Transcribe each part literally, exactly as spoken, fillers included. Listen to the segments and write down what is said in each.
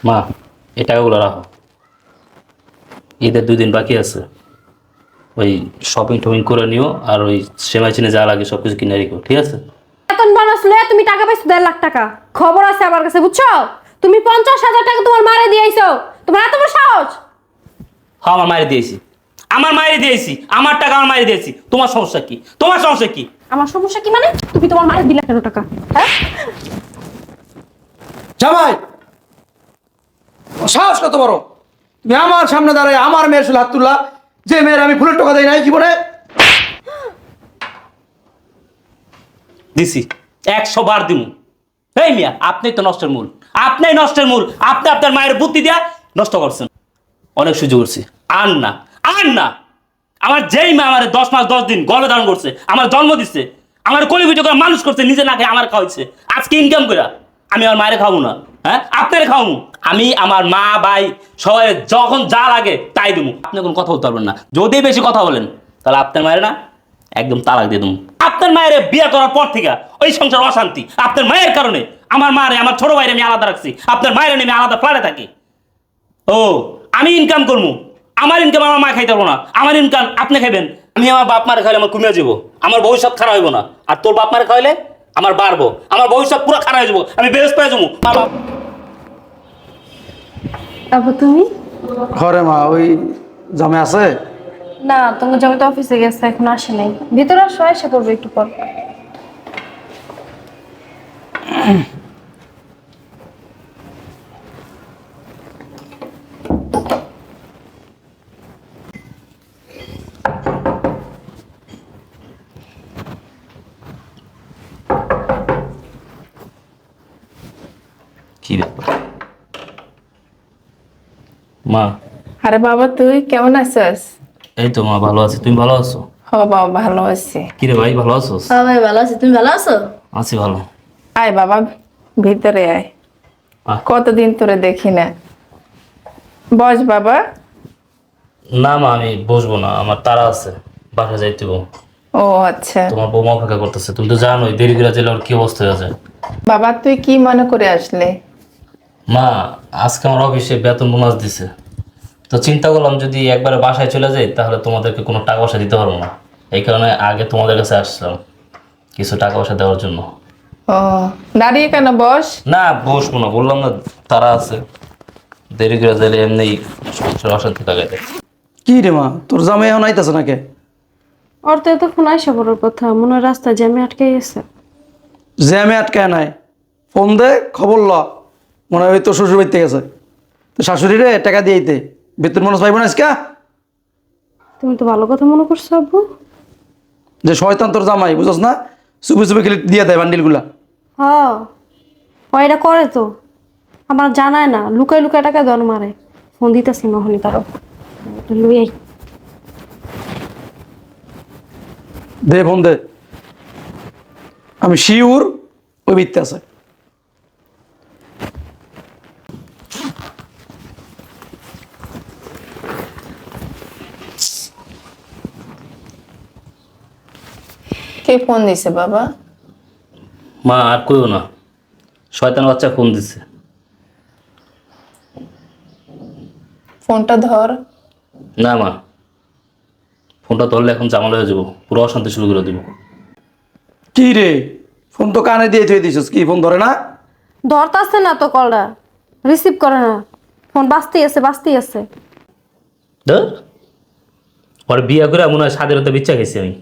মা এই টাকাগুলো রাখো, ঈদের দুই দিন বাকি আছে, ওই শপিং টপিং করে নিও, আর ওই সেমাই চিনে যা লাগে সব কিছু কিনে রেখো, ঠিক আছে? বেতন বোনাস লয়ে তুমি টাকা পাইছো দেড় লাখ টাকা, খবর আছে আমার কাছে, বুঝছো? তুমি পঞ্চাশ হাজার টাকা তোমার মারে দিয়েছো, তোমার এত বড় সাহস? হ্যাঁ আমার মায়ের দিয়েছি, আমার মায়ের দিয়েছি, আমার টাকা আমার মায়ের দিয়েছি। তোমার সমস্যা কি? তোমার সমস্যা কি? আমার সমস্যা কি মানে? তুমি তোমার মারে দিলা কেন টাকা? হ্যাঁ, জামাই সাহস কত বড়, তুমি আমার সামনে দাঁড়ায় আমার মেয়ের সাথে হাত তুললা, যে মেয়ের আমি ফুলের টাকা দেই নাই জীবনে। দিছি, একশো বার দিমু। এই মিয়া, আপনি তো নষ্টের মূল, আপনি নষ্টের মূল, আপনি আপনার মায়ের বুদ্ধি দিয়া নষ্ট করছেন। অনেক সুযোগ করছি, আর না আর না। আমার যেই মা আমার দশ মাস দশ দিন গর্ভে ধারণ করছে, আমার জন্ম দিচ্ছে, আমার কলি ভিডিও করে মানুষ করছে, নিজে না খেয়ে আমার খাওয়াইছে, আজকে ইনকাম করে আমি আমার মায়ের খাবো না? হ্যাঁ, আপনার খাওয়াবো আমি? আমার মা ভাই সবাই যখন যা লাগে তাই দেবো, আপনি কোনো কথা বলতে পারবেন না। যদি বেশি কথা বলেন তাহলে আপনার মায়ের না একদম তালাক দিয়ে দেবো। আপনার মায়ের বিয়ে করার পর থেকে ওই সংসার অশান্তি, আপনার মায়ের কারণে। আমার মারে, আমার ছোট ভাইরে আমি আলাদা রাখছি, আপনার মায়ের আমি আলাদা ফ্ল্যাটে থাকি। ও, আমি ইনকাম করবো, আমার ইনকাম আমার মা খাইতে পারবো না, আমার ইনকাম আপনি খাইবেন। আমি আমার বাপ মারে খাইলে আমার কমে যাবো, আমার ভবিষ্যৎ খারাপ হইব না। আর তোর বাপ মারে খাইলে আমার বাড়বো, আমার ভবিষ্যৎ পুরো খারাপ হয়ে যাবো, আমি বেরোস পেয়ে যাবো। তারপর তুমি? ঘরে মা ওই জামাই আছে? না, তোমার জমি তো অফিসে গেছে, এখন আসে নাই। ভিতরে আসো, এসে করবে একটু পর। কি ব্যাপার মা? আরে বাবা, তুই কেমন আছিস? এই তো মা, ভালো আছি, তুমি ভালো আছো? হ বাবা, ভালো আছি। কি রে ভাই, ভালো আছো? হ্যাঁ ভাই ভালো আছি, তুমি ভালো আছো? আছি ভালো। আয় বাবা, ভিতরে আয়। আহ। কতদিন তোরে দেখি না। বস বাবা। না মা, আমি বসবো না, আমার তারা আছে, বাসা যাইতে হবে। ও আচ্ছা তোমার বৌমা অপেক্ষা করতেছে, তুমি তো জানোই দেরি করে গেলে ওর কি অবস্থা হয়ে যায়। বাবা, তুই কি মনে করে আসলে? মা আজকে আমার অফিসে বেতন বোনাস দিছে, তো চিন্তা করলাম যদি একবারে বাসায় চলে যাই তাহলে তোমাদেরকে কোনো টাকা পয়সা দিতে পারবো না, এই কারণে আগে তোমাদের কাছে আসলাম কিছু টাকা পয়সা দেওয়ার জন্য। ও, দাঁড়িয়ে কেন, বস। না বসবো না, বললাম না তারা আছে, দেরি করে গেলে এমনি সংসার অশান্তি লাগাই দেয়। কি রে মা, তোর জামাই এখন আইতাছে নাকি? ওর তো এতক্ষণ আইসা পড়ার কথা, মনে হয় রাস্তায় জ্যামে আটকে গেছে। জ্যামে আটকায় নাই, ফোন দে, খবর ল, মনে হয় ওই তোর শ্বশুর বাড়িতে গেছে। তো শাশুড়ি রে টাকা দিয়েইতে বেতন মানুষ পাইব না আজকে। তুমি তো ভালো কথা মনে করছো আব্বু। যে শয়তান তোর জামাই, বুঝছ না, চুপি চুপি খেলে দিয়ে দেয় বান্ডিলগুলা। হ্যাঁ, ও এটা করে তো, আমার জানায় না, লুকাই লুকাই টাকা দর মারে। ফোন দিতেছি নহনি তারও, লুই আই। দে ফোন দে, আমি শিউর ওই বিত্তে আছে। কে ফোন দিছে বাবা? মা আর কইও না, শয়তান বাচ্চা ফোন দিচ্ছে। ফোনটা ধর। না মা, ফোনটা ধরলে এখন জামালা হয়ে যাবো, পুরো অশান্তি শুরু করে দিব। কি রে, ফোন তো কানে দিয়ে থুয়ে দিছিস, কি ফোন ধরে না? ধরতাছে না তো, কলটা রিসিভ করে না, ফোন বাজতেই আছে বাজতেই আছে। ধর, ওর বিয়ে করে মনে হয় স্বাধীনতা বিচ্ছা খেয়েছি আমি।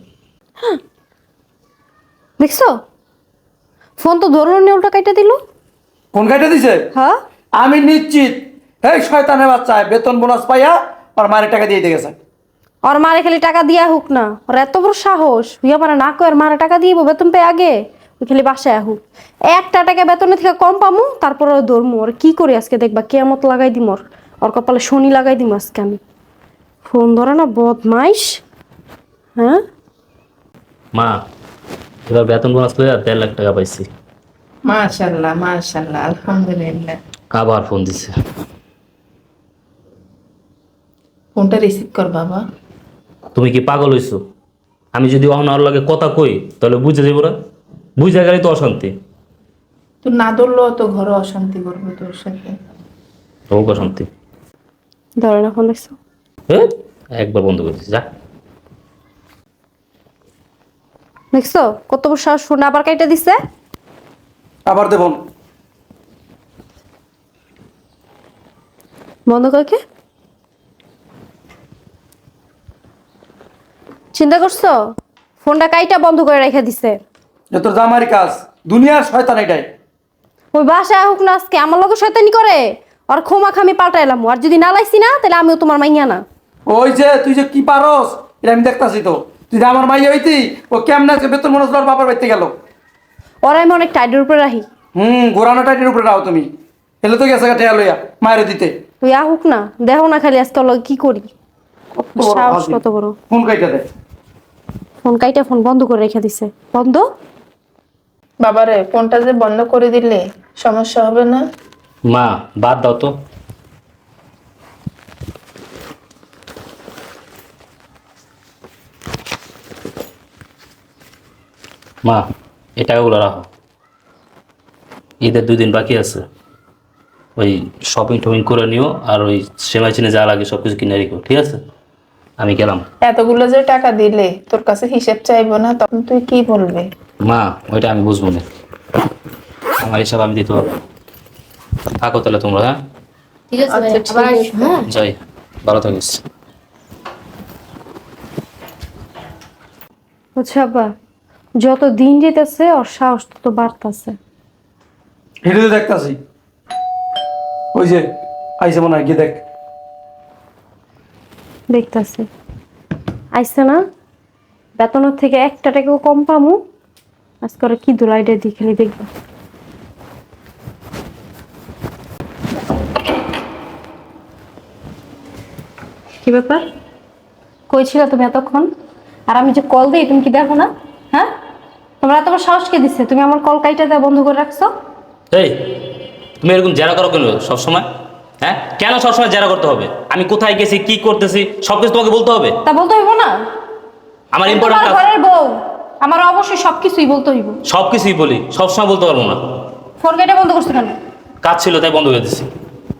দেখছো, ফোন তো ধরলো নি, উল্টা কাইটা দিল। ফোন কাটে দিছে। হ্যাঁ, আমি নিশ্চিত এই শয়তানের বাচ্চা বেতন বোনাস পাইয়া আর মায়ের টাকা দিয়ে দিয়ে গেছে। ওর মারে খালি টাকা দিয়া হোক না, ওর এত বড় সাহস, হইয়া পারে না কয় মারে টাকা দিব বেতন পেয়ে আগে, ওই খালি বাসায় আহুক। একটা টাকা বেতনের থেকে কম পামু, তারপর ওর ধরমু। ওর কি করি আজকে দেখবা, কেয়ামত লাগাই দিম, ওর ওর কপালে শনি লাগাই দিম আজকে আমি। ফোন ধরে না, বদমাইশ। হ্যাঁ মা, এবার বেতন বোনাস করে দেড় লাখ টাকা পাইছি। মাশাআল্লাহ মাশাআল্লাহ, আলহামদুলিল্লাহ। আবার ফোন দিছে। ফোনটা রিসিভ কর বাবা। তুমি কি পাগল হইছো? আমি যদি অহনার লাগে কথা কই তাহলে বুঝে যাবো না, বুঝে গেলে তো অশান্তি। তুই না ধরলেও তো ঘরে অশান্তি করবে তোর সাথে। তোকে শান্তি। ধরে না ফোন দেখছো? এ, একবার বন্ধ করে দিছি যা। দেখছো কত বড় সাহস, ফোন আবার কাইটা দিছে। আবার দেবন। বন্ধ করকে চিন্তা করছো? ফোনটা কাইটা বন্ধ করে রেখে দিছে। যে তোর জামাইয়ের কাজ, দুনিয়ার শয়তান এটাই। ওই বাসায় হোক না আজকে আমার লোকের শয়তানি করে আর ক্ষমা খামি পাল্টাইলাম। আর যদি না লাইছি না তাহলে আমিও তোমার মাইয়া না। ওই যে তুই যে কি পারস এটা আমি দেখতাছি তো। তুই যে আমার মাইয়া হইতি, ও কেমন আছে বেতন মনে হচ্ছে ওর বাবার বাড়িতে গেল। ওরা আমি অনেক টাইটের উপরে রাখি। হুম, ঘোরানো টাইটের উপরে রাও তুমি। এলে তো গেছে ঠেয়া লইয়া মায়ের দিতে। তুই আহুক না, দেখো না খালি আজকে ওর লগে কি করি। সাহস কত বড়। ফোন কাইটা দে। ফোন কাইটা ফোন বন্ধ করে রেখে দিছে। বন্ধ? বাবারে ফোনটা যে বন্ধ করে দিলে সমস্যা হবে না? মা বাদ দাও তো। মা এই টাকাগুলো রাখো, ঈদের দুই দিন বাকি আছে, ওই শপিং টপিং করে নিও আর ওই সেমাই চিনে যা লাগে সব কিছু কিনে রেখো, ঠিক আছে? আমি গেলাম। এতগুলো যে টাকা দিলে তোর কাছে হিসেব চাইবো না, তখন তুই কি বলবি? মা ওইটা আমি বুঝবো না, আমার হিসাব আমি দিতে পারবো। থাকো তাহলে তোমরা, হ্যাঁ ঠিক আছে আচ্ছা, ঠিক আবার আছে। হ্যাঁ যাই, ভালো থাকিস। বুঝছো আব্বা, যত দিন যেতেছে ওর সাহস তত বাড়তেছে। হেঁটে তো দেখতাছি। ওই যে আইসে মনে হয়, গিয়ে দেখ। দেখতেছে আইসে না, বেতনের থেকে একটা টাকাও কম পামু। আজকে ওরা কি দুলাইটা দিয়ে খেলি দেখবো। কি ব্যাপার, কই ছিল তুমি এতক্ষণ? আর আমি যে কল দিই তুমি কি দেখো না? হ্যাঁ, তোমরা এত বড় সাহস কে দিচ্ছে? তুমি আমার কল কাইটা দেওয়া বন্ধ করে রাখছো। এই তুমি এরকম জেরা করো কেন সবসময়? হ্যাঁ কেন সবসময় জেরা করতে হবে? আমি কোথায় গেছি, কি করতেছি সব কিছু তোমাকে বলতে হবে? তা বলতে হইব না? আমার আমি ইম্পর্টেন্ট তোমার কাজ, ঘরের বউ, আমার অবশ্যই সবকিছুই বলতে হইব। সব কিছুই বলি, সবসময় বলতে পারবো না। ফোন কেটে বন্ধ করছো কেন? কাজ ছিল তাই বন্ধ করে দিচ্ছি।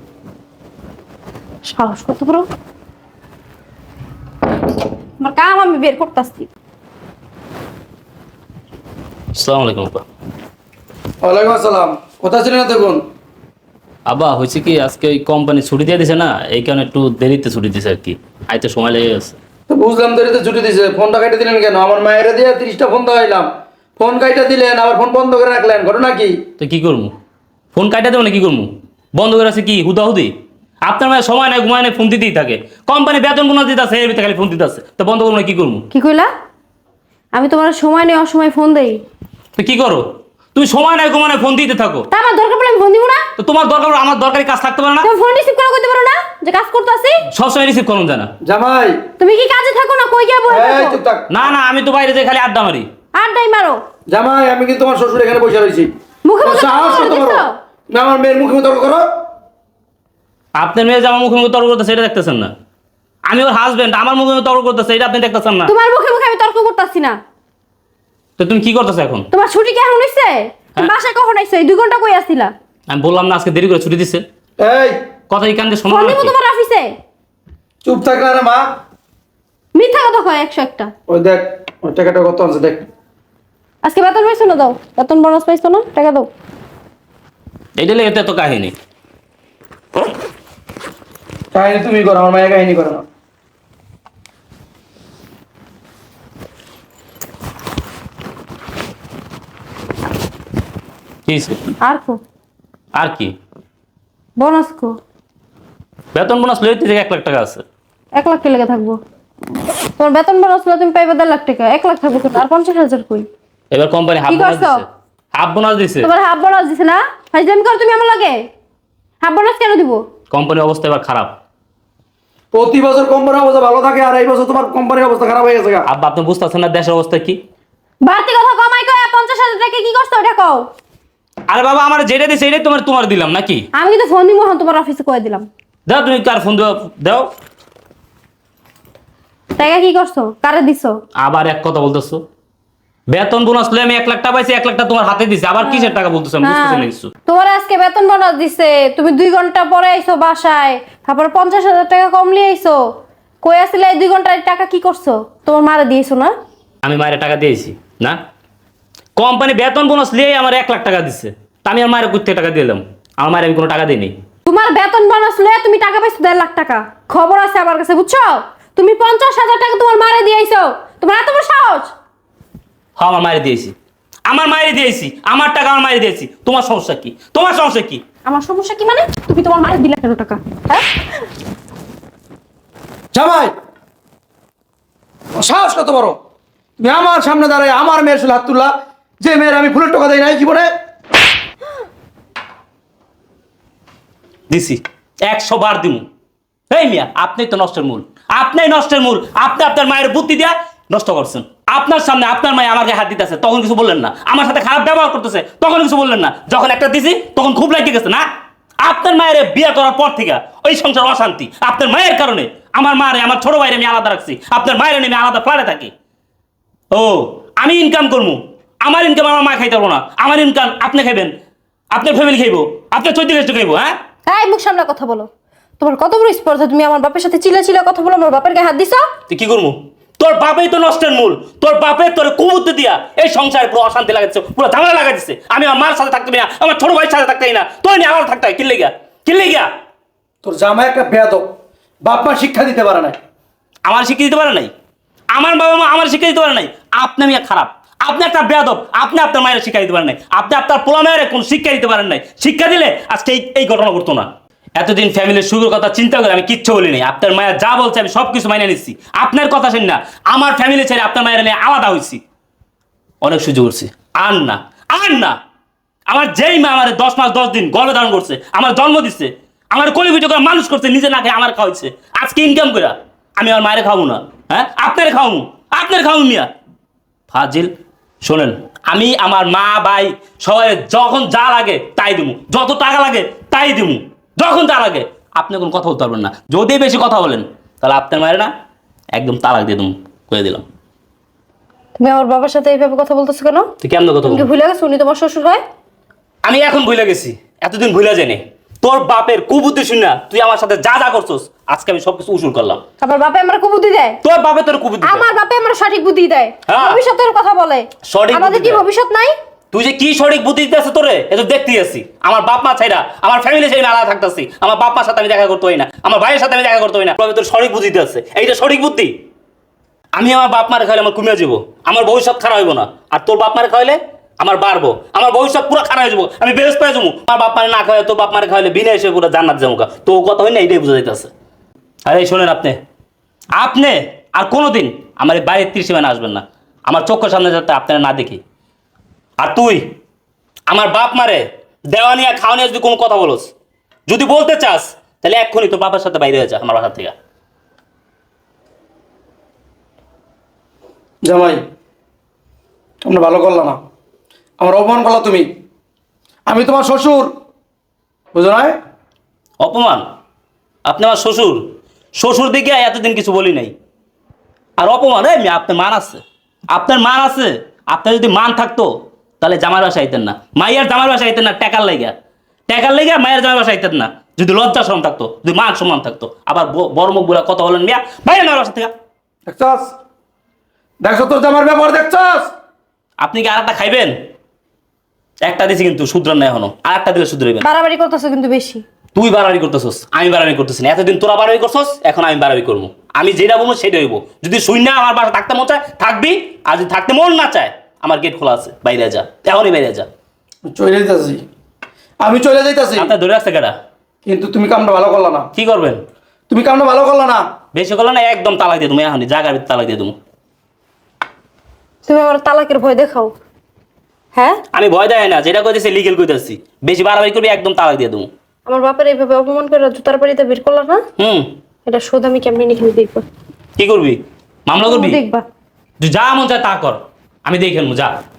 সাহস কত বড়! আমার কাম আমি বের করতেছি। আসসালামু আলাইকুম আপা। ওয়ালাইকুম আসসালাম। কোথায় ছিলেন দেখুন? আব্বা হয়েছে কি, আজকে ওই কোম্পানি ছুটি দিয়ে দিছে না, এই কারণে একটু দেরিতে ছুটি দিছে আর কি, আইতে সময় লেগে গেছে। তো বুঝলাম দেরিতে ছুটি দিছে, ফোনটা কাইটা দিলেন কেন? আমার মায়ের দিয়ে তিরিশটা ফোন দেওয়াইলাম, ফোন কাইটা দিলেন আবার ফোন বন্ধ করে রাখলেন, ঘটনা কি? তো কি করবো, ফোন কাটা দেবো না কি করবো? বন্ধ করে আছে কি হুদাহুদি? আপনার মায়ের সময় নাই, ঘুমায় নাই, ফোন দিতেই থাকে। কোম্পানি বেতন কোনো দিতে আছে, এর ভিতরে খালি ফোন দিতে আছে, তো বন্ধ করবো না কি করবো? কি কইলা? আমি তোমার সময় নেই অসময় ফোন দেই? তো কি করো তুমি? সময় নাই ঘুমায় নাই, ফোন দিতে থাকো। তা আমার দরকার পড়লে আমি ফোন দিব না? তো তোমার দরকার হলে আমার দরকারি কাজ থাকতে পারে না? তুমি ফোন রিসিভ করে কইতে পারো না যে কাজ করতেছি? সবসময় রিসিভ করুন জানা। জামাই তুমি কি কাজে থাকো না কই গিয়া বসে এই থাকো? চুপ থাক। না না, আমি তো বাইরে যাই খালি আড্ডা মারি। আড্ডাই মারো। জামাই আমি কিন্তু তোমার শ্বশুর এখানে বসে রয়েছি। মুখে মুখে সাহস তর্ক কত বড়? করতেছো? না আমার মেয়ের মুখে মুখে তর্ক করো। আপনার মেয়ে যে আমার মুখে মুখে তর্ক করতেছে এটা দেখতেছেন না? আমি ওর হাজবেন্ড, আমার মুখে মুখে তর্ক করতেছে এটা আপনি দেখতেছেন না? তোমার মুখে মুখে আমি তর্ক করতেছি না। তো তুমি কি করতেছো এখন? তোমার ছুটি কেমন হইছে? তুমি হ্যাঁ? বাসায় কখন আইছো? এই দুই ঘন্টা কই আছিলা? আমি বললাম না আজকে দেরি করে ছুটি দিচ্ছে। এই কথা এই কান্দে শোনো ফোন না দিব নাকি? তোমার অফিসে? চুপ থাক না রে মা। মিথ্যা কথা কয় একশো একটা। ওই দেখ ওই টাকাটা কত আছে দেখ। আজকে বেতন পাইছো না? দাও বেতন, বোনাস পাইছো না? টাকা দাও। এইটা লেগে এত কাহিনী। কাহিনী তুমি করো, আমার মায়ের কাহিনী করো না। কি হইছে? আর কো আর কি? বোনাস কো? বেতন বোনাস লইতে থেকে এক লাখ টাকা আছে। এক লাখ কে লেগে থাকবো? তোমার বেতন বোনাস হলো তুমি পাইবে দেড় লাখ টাকা, এক লাখ থাকবো কেন? আর পঞ্চাশ হাজার কই? এবার কোম্পানি হাফ কি বোনাস করছো? দিছে, হাফ বোনাস দিছে। তোমার হাফ বোনাস দিছে না? ফাইজলামি করো তুমি আমার লাগে। হাফ বোনাস কেন দিব? কোম্পানির অবস্থা এবার খারাপ। প্রতি বছর কোম্পানির অবস্থা ভালো থাকে আর এই বছর তোমার কোম্পানির অবস্থা খারাপ হয়ে গেছে গা। আব্বা আপনি বুঝতেছেন না দেশের অবস্থা কি? বাড়তি কথা কমাই কয় পঞ্চাশ হাজার টাকা কি করছো ওটা কও। আরে বাবা আমার যেটা দিছে এটাই তোমার তোমার দিলাম নাকি? আমি কিন্তু ফোন দিব, হন তোমার অফিসে কয়ে দিলাম। দাও তুমি কার ফোন দাও দাও। টাকা কি করছো? কারে দিছো? আবার এক কথা বলতেছো। বেতন বোনাস লয়ে আমি এক লাখ টাকা পাইছি, এক লাখ টাকা তোমার হাতে দিছি, আবার কিসের টাকা বলতেছো আমি বুঝতেছি না কিছু। তোমার আজকে বেতন বোনাস দিছে, তুমি দুই ঘন্টা পরে আইছো বাসায়, তারপর পঞ্চাশ হাজার টাকা কম লিয়ে আইছো। কই আসলে এই দুই ঘন্টার টাকা কি করছো? তোমার মারে দিয়েছো না? আমি মায়ের টাকা দিয়েছি না, কোম্পানি বেতন বোনাস লিয়ে আমার এক লাখ টাকা দিচ্ছে, তা আমি আমার মায়ের কোথা থেকে টাকা দিলাম? আমার মায়ের আমি কোনো টাকা দিইনি। তোমার বেতন বোনাস লয়ে তুমি টাকা পাইছো দেড় লাখ টাকা, খবর আছে আমার কাছে, বুঝছো? তুমি পঞ্চাশ হাজার টাকা তোমার মারে দিয়েছো, তোমার এত বড় সাহস? হ্যাঁ আমার মায়ের দিয়েছি, আমার মায়ের দিয়েছি, আমার টাকা আমার মায়ের দিয়েছি। তোমার সমস্যা কি? তোমার সমস্যা কি? আমার সমস্যা কি মানে? তুমি তোমার মারে দিলে কেন টাকা? হ্যাঁ, জামাই সাহস কত বড়, তুমি আমার সামনে দাঁড়ায় আমার মেয়ের শুধু হাত তুললা, যে মেয়ের আমি ফুলের টাকা দেই নাই জীবনে। দিছি, একশো বার দিমু। এই মিয়া, আপনি তো নষ্টের মূল, আপনি নষ্টের মূল। আপনি আপনার মায়ের বুদ্ধি দিয়া নষ্ট করছেন। আপনার সামনে আপনার মায়ে আমার গায়ে হাত দিতেছে, তখন কিছু বললেন না। আমার সাথে খারাপ ব্যবহার করতেছে, তখন কিছু বললেন না। যখন একটা দিছি তখন খুব লাগিয়ে গেছে না। আপনার মায়ের বিয়ে করার পর থেকে ওই সংসার অশান্তি, আপনার মায়ের কারণে। আমার মারে, আমার ছোট ভাইরে আমি আলাদা রাখছি, আপনার মায়ের নিয়ে আমি আলাদা ফ্ল্যাটে থাকি। ও, আমি ইনকাম করবো, আমার ইনকাম আমার মা খাইতে পারবো না, আমার ইনকাম আপনি খাইবেন, আপনার ফ্যামিলি খাইবো, আপনার চৈত্র গোষ্ঠী খাইবো। হ্যাঁ, এই মুখ সামনে কথা বলো। তোমার কত বড় স্পর্ধা, তুমি আমার বাপের সাথে চিল্লা চিল্লা কথা বলো, আমার বাপের গায়ে হাত দিছো? তুই কি করবো? তোর বাপেই তো নষ্টের মূল। তোর বাপে তোর কুবুদ্ধি দিয়া এই সংসারে পুরো অশান্তি লাগাচ্ছে, পুরো ঝামেলা লাগাচ্ছে। আমি আমার মার সাথে থাকতে পারি না, আমার ছোট ভাইয়ের সাথে থাকতে পারি না, তোর নিয়ে আমার থাকতে হয়। কিনলে গিয়া কিনলে গিয়া তোর জামাই একটা বেয়াদব, বাপ মা শিক্ষা দিতে পারে না। আমার শিক্ষা দিতে পারে নাই, আমার বাবা মা আমার শিক্ষা দিতে পারে নাই। আপনি মিয়া খারাপ, আপনি একটা বেয়াদব, আপনি আপনার মায়ের শিক্ষা দিতে পারেন নাই, আপনি আপনার পোলা মায়ের কোন শিক্ষা দিতে পারেন নাই। শিক্ষা দিলে আজকে এই এই ঘটনা ঘটতো না। এতদিন ফ্যামিলির সুখের কথা চিন্তা করে আমি কিচ্ছু বলিনি। আপনার মায়ের যা বলছে আমি সব কিছু মাইনে নিচ্ছি। আপনার কথা শুন না, আমার ফ্যামিলি ছেড়ে আপনার মায়ের নিয়ে আলাদা হয়েছি। অনেক সুযোগ করছি, আর না আর না। আমার যেই মা আমার দশ মাস দশ দিন গর্ভে ধারণ করছে, আমার জন্ম দিচ্ছে, আমার কলিপিঠে করে মানুষ করছে, নিজে না খেয়ে আমার খাওয়াইছে। আজকে ইনকাম করে আমি আমার মায়ের খাবো না? হ্যাঁ, আপনার খাওয়াবো, আপনার খাওয়াবো মিয়া ফাজিল। শোনেন, আমি আমার মা ভাই সবাই যখন যা লাগে তাই দিমু, যত টাকা লাগে তাই দিমু, যখন যা লাগে। আপনি কোনো কথা বলতে পারবেন না। যদি বেশি কথা বলেন তাহলে আপনার মায়ের না একদম তালাক দিয়ে দিমু, করে দিলাম। তুমি আমার বাবার সাথে এইভাবে কথা বলতেছো কেন? তুই কেমন কথা তুমি কি বলবো? ভুলে গেছো উনি তোমার শ্বশুর হয়? আমি এখন ভুলে গেছি, এতদিন ভুলে জানি। তোর বাপের কুবুদ্ধি শুন না, তুই আমার সাথে যা যা করছস আজকে আমি সবকিছু উসুল করলাম। আমার বাপে আমার কুবুদ্ধি দেয়? তোর বাপে তোর কুবুদ্ধি দেয়। আমার বাপে আমার সঠিক বুদ্ধি দেয়, হ্যাঁ। ভবিষ্যতের কথা বলে। সঠিক আমাদের বুদ্ধি কি দেয়। ভবিষ্যৎ নাই? তুই যে কি সঠিক বুদ্ধি দিতে আছে তোরে, এ তো দেখতেই আছি। আমার বাপ মা ছাইরা আমার ফ্যামিলি ছেড়ে আলাদা থাকতেছি, আমার বাপ মার সাথে আমি দেখা করতে হয় না, আমার ভাইয়ের সাথে আমি দেখা করতে হয় না। তবে তোর সঠিক বুদ্ধি দিতে আছে, এইটা সঠিক বুদ্ধি। আমি আমার বাপ মারে খাইলে আমার কমিয়ে যাবো, আমার ভবিষ্যৎ খারাপ হইব না। আর তোর বাপ মারে খাইলে আমার বাড়বো, আমার ভবিষ্যৎ পুরো খারাপ হয়ে যাবো, আমি বেশ পেয়ে যাবো। আমার বাপ মারে না খাওয়াই তোর বাপ মারে খাইলে বিনা এসে পুরো জান্নাত যাবো। তো কথা হয় না, এইটাই বোঝা যাইতেছে। আরে শোনেন, আপনি আপনি আর কোনোদিন আমার এই বাড়ির ত্রিসীমানে আসবেন না, আমার চোখের সামনে যাতে আপনারা না দেখি। আর তুই আমার বাপ মারে দেওয়া নিয়ে খাওয়া নিয়ে যদি কোনো কথা বলোস, যদি বলতে চাস, তাহলে এক্ষুনি তোর বাবার সাথে বাইরে হয়ে যা আমার বাসা থেকে। জামাই তোমরা ভালো করলা না, আমার অপমান করলা তুমি। আমি তোমার শ্বশুর, বুঝো না? অপমান? আপনি আমার শ্বশুর, শ্বশুর দিকে এতদিন কিছু বলি নাই। আর অপমান? এই মেয়ে, আপনার মান আছে, আপনার মান আছে। আপনার যদি মান থাকতো তাহলে জামার বাসা আইতেন না, মাইয়ার জামার বাসা আইতেন না। টাকার লেগা, টাকার লেগা মায়ের জামার বাসা আইতেন না। যদি লজ্জা শরম থাকতো, যদি মান সম্মান থাকতো। আবার ব- বড় মুখ বলে কথা বলেন মিয়া, বাইরে আমার বাসা থেকে। দেখছস, দেখছো তোর জামার ব্যাপার দেখছস? আপনি কি আর একটা খাইবেন? একটা দিছি কিন্তু শুধরান না এখনো, আর একটা দিলে শুধরাইবেন। বাড়াবাড়ি করতেছো কিন্তু বেশি। তুই বাড়াবাড়ি করতেছস, আমি বাড়াবাড়ি করতেছি না। এতদিন তোরা বাড়াবাড়ি করছস, এখন আমি বাড়াবাড়ি করবো। আমি যেটা বলবো সেটা হইব। যদি শুই না আমার বাসা থাকতে মন চায় থাকবি, আর যদি থাকতে মন না চায় আমার গেট খোলা আছে, বাইরে যা, এখনই বাইরে যা। চলে যাইতাছি, আমি চলে যাইতাছি। আপনার ধরে রাখছে কেটা? কিন্তু তুমি কামটা ভালো করলা না। কি করবেন? তুমি কামটা ভালো করলা না। বেশি করলে না একদম তালাক দিয়ে তুমি, এখনই জায়গার ভিতরে তালাক দিয়ে তুমি। তুমি আমার তালাকের ভয় দেখাও, হ্যাঁ? আমি ভয় দেয় না, যেটা কইতেছি লিগেল কইতেছি। বেশি বাড়াবাড়ি করবি একদম তালাক দিয়ে দেবো। আমার বাপের এইভাবে অপমান করে জুতার বাড়িতে বের করলা না, হুম, এটা শোধ আমি কেমনি এখানে দেখবো। কি করবি? মামলা করবি? দেখবা। তুই যা মন চায় তা কর, আমি দেখে নেবো, যা।